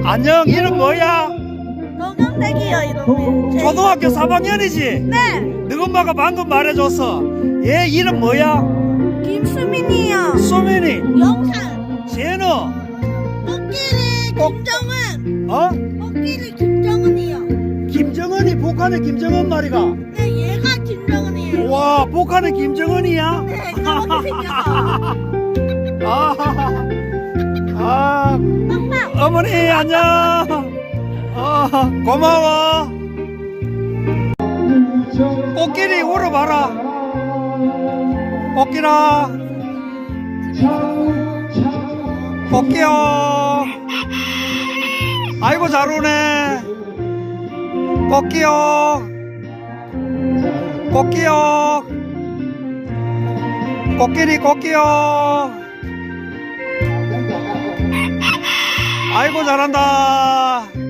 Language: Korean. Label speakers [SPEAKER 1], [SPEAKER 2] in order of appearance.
[SPEAKER 1] 안녕, 이름 뭐야?
[SPEAKER 2] 노경택이요, 이름이.
[SPEAKER 1] 초등학교 3학년이지?
[SPEAKER 2] 네,
[SPEAKER 1] 너 엄마가 방금 말해줬어. 얘 이름 뭐야?
[SPEAKER 2] 김수민이요.
[SPEAKER 1] 수민이.
[SPEAKER 2] 영상.
[SPEAKER 1] 쟤는
[SPEAKER 2] 코끼리 김정은.
[SPEAKER 1] 어?
[SPEAKER 2] 코끼리 김정은이요.
[SPEAKER 1] 김정은이 북한의 김정은 말이가.
[SPEAKER 2] 네, 얘가 김정은이에요.
[SPEAKER 1] 와, 북한의 김정은이야?
[SPEAKER 2] 네, 그렇게 생겨서.
[SPEAKER 1] 아,
[SPEAKER 2] 빵빵.
[SPEAKER 1] 어머니 안녕. 고마워. 꽃길이 울어봐라. 꽃길아, 꽃기요. 아이고 잘 우네. 꽃기요, 꽃기요. 꽃길이 꽃기요. 아이고 잘한다.